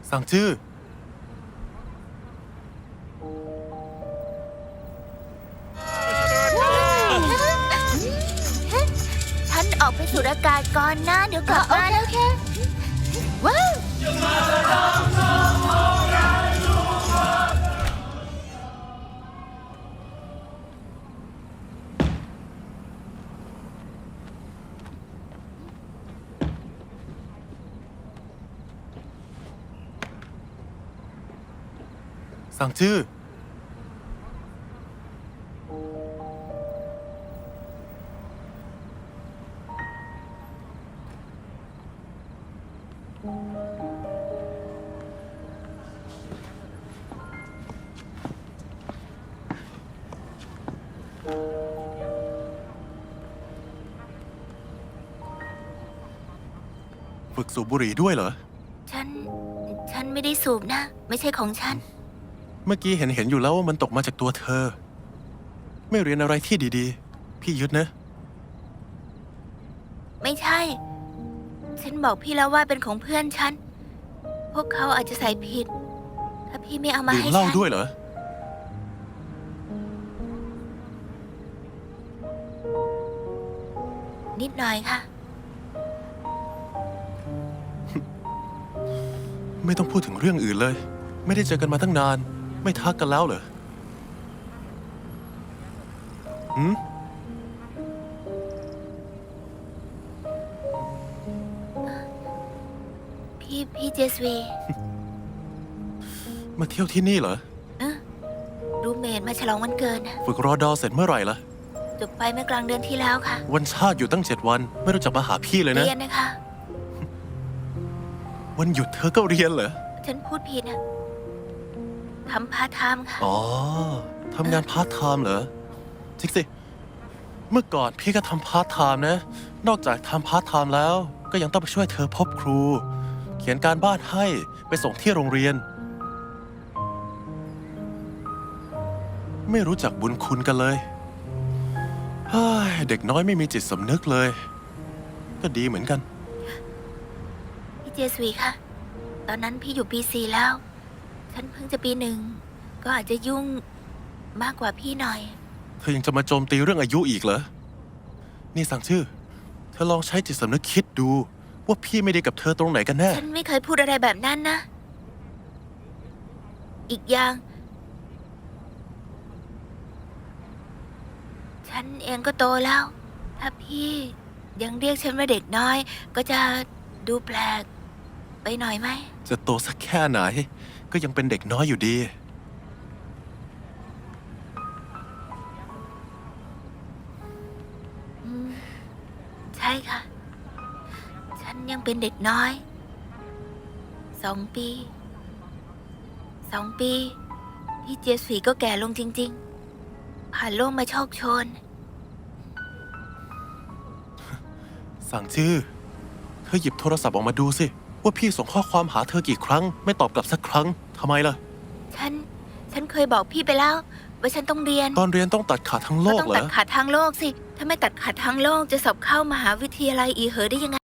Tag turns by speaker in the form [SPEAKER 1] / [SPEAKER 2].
[SPEAKER 1] สั่งจื้อ
[SPEAKER 2] ฉันออกไปสูดอากาศก่อนนะ เดี๋ยวกลับมาโอเคว้าว
[SPEAKER 1] สั่งจื้อฝึกสูบบุหรี่ด้วยเหรอ
[SPEAKER 2] ฉันไม่ได้สูบนะ ไม่ใช่ของฉัน
[SPEAKER 1] เมื่อกี้เห็นอยู่แล้วว่ามันตกมาจากตัวเธอ ไม่เรียนอะไรที่ดีๆ พี่ยึดนะ
[SPEAKER 2] ไม่ใช่ ฉันบอกพี่แล้วว่าเป็นของเพื่อนฉัน พวกเขาอาจจะใส่ผิด ถ้าพี่ไม่เอามา
[SPEAKER 1] ดื่ม
[SPEAKER 2] ให้
[SPEAKER 1] เหล้า
[SPEAKER 2] ฉัน
[SPEAKER 1] ด้วยเหรอ
[SPEAKER 2] นิดหน่อยค่ะ
[SPEAKER 1] ไม่ต้องพูดถึงเรื่องอื่นเลย ไม่ได้เจอกันมาตั้งนาน ไม่ทักกันแล้วเหรอหืม
[SPEAKER 2] พี่เจสวี
[SPEAKER 1] มาเที่ยวที่นี่เหรอ
[SPEAKER 2] รูเมทมาฉลองวันเกิดนะ
[SPEAKER 1] ฝึกรอดอเสร็จเมื่อไหร่ล่ะ
[SPEAKER 2] จบไปเมื่อกลางเดือนที่แล้วค่ะ
[SPEAKER 1] วันชาติอยู่ตั้ง7 วัน ไม่รู้จักมาหาพี่เลยนะ
[SPEAKER 2] เรียนนะคะ
[SPEAKER 1] วันหยุดเธอก็เรียนเหรอ
[SPEAKER 2] ฉันพูดผิดนะทำพาร์ทไทม์ค่ะ
[SPEAKER 1] อ๋อ ทำงานพาร์ทไทม์เหรอจริงสิ เมื่อก่อนพี่ก็ทำพาร์ทไทม์นะ นอกจากทำพาร์ทไทม์แล้ว ก็ยังต้องไปช่วยเธอพบครู เขียนการบ้านให้ไปส่งที่โรงเรียน ไม่รู้จักบุญคุณกันเลยเฮ้ยเด็กน้อยไม่มีจิตสำนึกเลย ก็ดีเหมือนกัน
[SPEAKER 2] พี่เจสวีค่ะ ตอนนั้นพี่อยู่ปี4แล้ว ฉันเพิ่งจะปี 1 ก็อาจจะยุ่งมากกว่าพี่หน่อย
[SPEAKER 1] เธอยังจะมาโจมตีเรื่องอายุอีกเหรอ นี่สั่งชื่อ เธอลองใช้จิตสำนึกคิดดู ว่าพี่ไม่ดีกับเธอตรงไหนกันแน่
[SPEAKER 2] ฉันไม่เคยพูดอะไรแบบนั้นนะ อีกอย่าง ฉันเองก็โตแล้ว ถ้าพี่ยังเรียกฉันว่าเด็กน้อย ก็จะดูแปลกไปหน่อยไหม
[SPEAKER 1] จะโตสักแค่ไหน ก็ยังเป็นเด็กน้อยอยู่ดี
[SPEAKER 2] ใช่ค่ะ ฉันยังเป็นเด็กน้อย 2 ปี 2 ปี พี่เจสวีก็แก่ลงจริง ๆ ผ่านโลกมาโชคโชน
[SPEAKER 1] สั่งชื่อ เธอหยิบโทรศัพท์ออกมาดูสิ ว่าพี่ส่งข้อความหาเธอกี่ครั้ง ไม่ตอบกลับสักครั้งทำไมล่ะ
[SPEAKER 2] ฉันเคยบอกพี่ไปแล้ว ว่าฉันต้องเรียน
[SPEAKER 1] ตอนเรียนต้องตัดขาดทั้งโล
[SPEAKER 2] ก็
[SPEAKER 1] ก
[SPEAKER 2] ต้อง
[SPEAKER 1] เหร
[SPEAKER 2] ตัด
[SPEAKER 1] อ
[SPEAKER 2] ขาดทางโลกสิ ถ้าไม่ตัดขาดทางโลกจะสอบเข้ามหาวิทยาลัยอีเหอได้ยังไง